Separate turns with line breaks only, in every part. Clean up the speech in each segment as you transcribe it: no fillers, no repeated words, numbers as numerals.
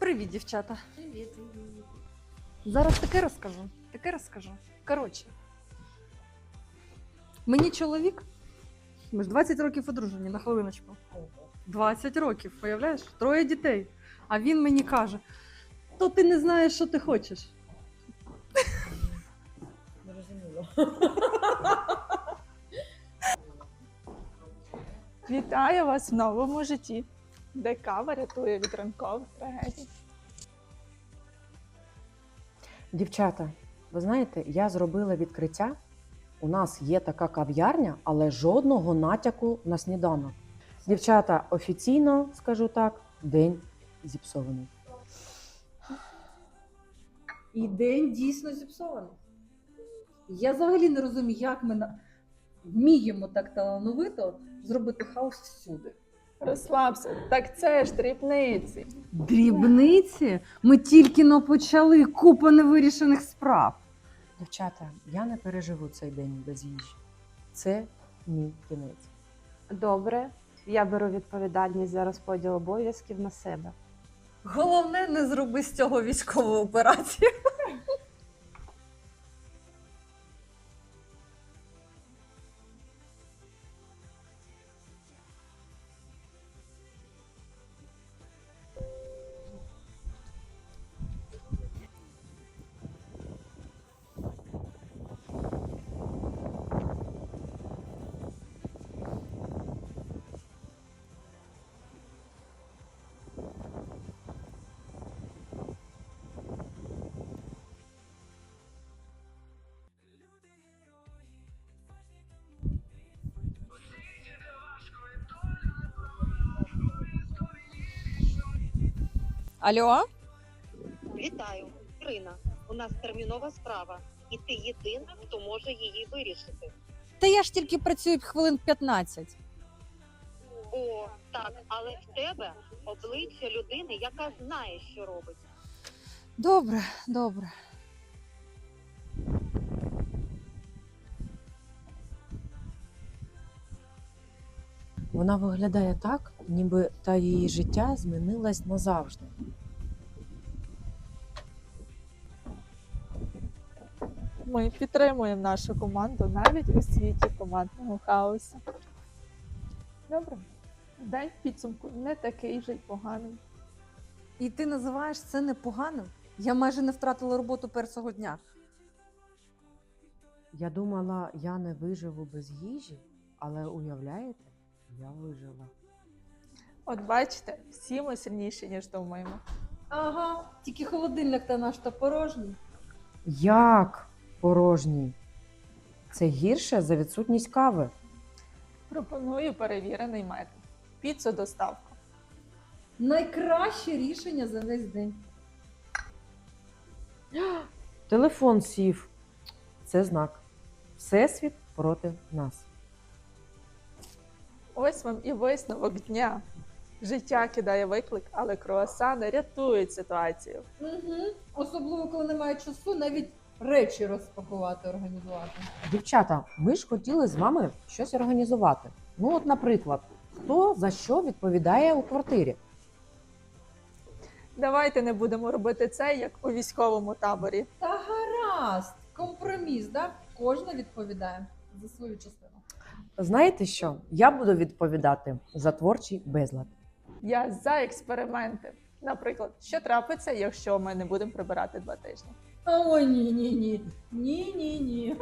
Привіт, дівчата.
Привіт.
Зараз таке розкажу. Коротше, мені чоловік, ми ж 20 років одружені, на хвилиночку. 20 років, уявляєш? 3 дітей. А він мені каже, то ти не знаєш, що ти хочеш.
Зрозуміло.
Вітаю вас в новому житті, де кава рятує від ранкових трагедій.
Дівчата, ви знаєте, я зробила відкриття. У нас є така кав'ярня, але жодного натяку на сніданок. Дівчата, офіційно, скажу так, день зіпсований.
І день дійсно зіпсований. Я взагалі не розумію, як ми вміємо так талановито зробити хаос всюди.
Розслабся, так це ж дрібниці.
Дрібниці? Ми тільки но почали, купа невирішених справ.
Дівчата, я не переживу цей день без їжі. Це мій кінець.
Добре, я беру відповідальність за розподіл обов'язків на себе.
Головне, не зроби з цього військову операцію. Алло?
Вітаю, Ірина. У нас термінова справа, і ти єдина, хто може її вирішити.
Та я ж тільки працюю хвилин 15.
О, так, але в тебе обличчя людини, яка знає, що робить.
Добре, добре.
Вона виглядає так, ніби та її життя змінилось назавжди.
Ми підтримуємо нашу команду навіть у світі командного хаосу. Добре, день в підсумку не такий вже й поганий.
І ти називаєш це непоганим? Я майже не втратила роботу першого дня.
Я думала, я не виживу без їжі, але уявляєте, я вижила.
От бачите, всі ми сильніші, ніж думаємо.
Ага, тільки холодильник та наш та порожній.
Як порожній? Це гірше за відсутність кави.
Пропоную перевірений метод. Піцу-доставку.
Найкраще рішення за весь день.
Телефон сів. Це знак. Всесвіт проти нас.
Ось вам і висновок дня. Життя кидає виклик, але круасани рятують ситуацію.
Угу. Особливо, коли немає часу, навіть речі розпакувати, організувати.
Дівчата, ми ж хотіли з вами щось організувати. Ну от, наприклад, хто за що відповідає у квартирі?
Давайте не будемо робити це, як у військовому таборі.
Та гаразд, компроміс, да? Кожна відповідає за свою частину.
Знаєте що? Я буду відповідати за творчий безлад.
Я за експерименти. Наприклад, що трапиться, якщо ми не будемо прибирати 2 тижні?
Ой, ні. Ні.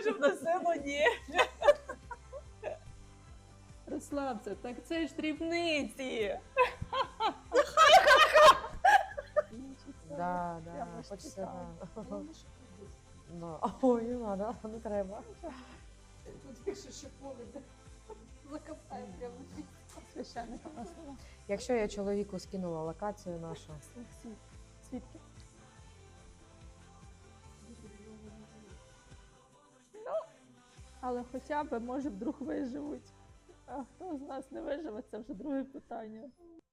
Щоб на село ні. Розслабся, так це ж дрібниці.
Да, да,
Прямо ж
хочеться.
цікаво.
Да. Да. Ой, не надо, не треба.
Священника у нас нема.
Якщо я чоловіку скинула локацію нашу,
Свідки. Але хоча б, може, вдруг виживуть. А хто з нас не виживе, це вже друге питання.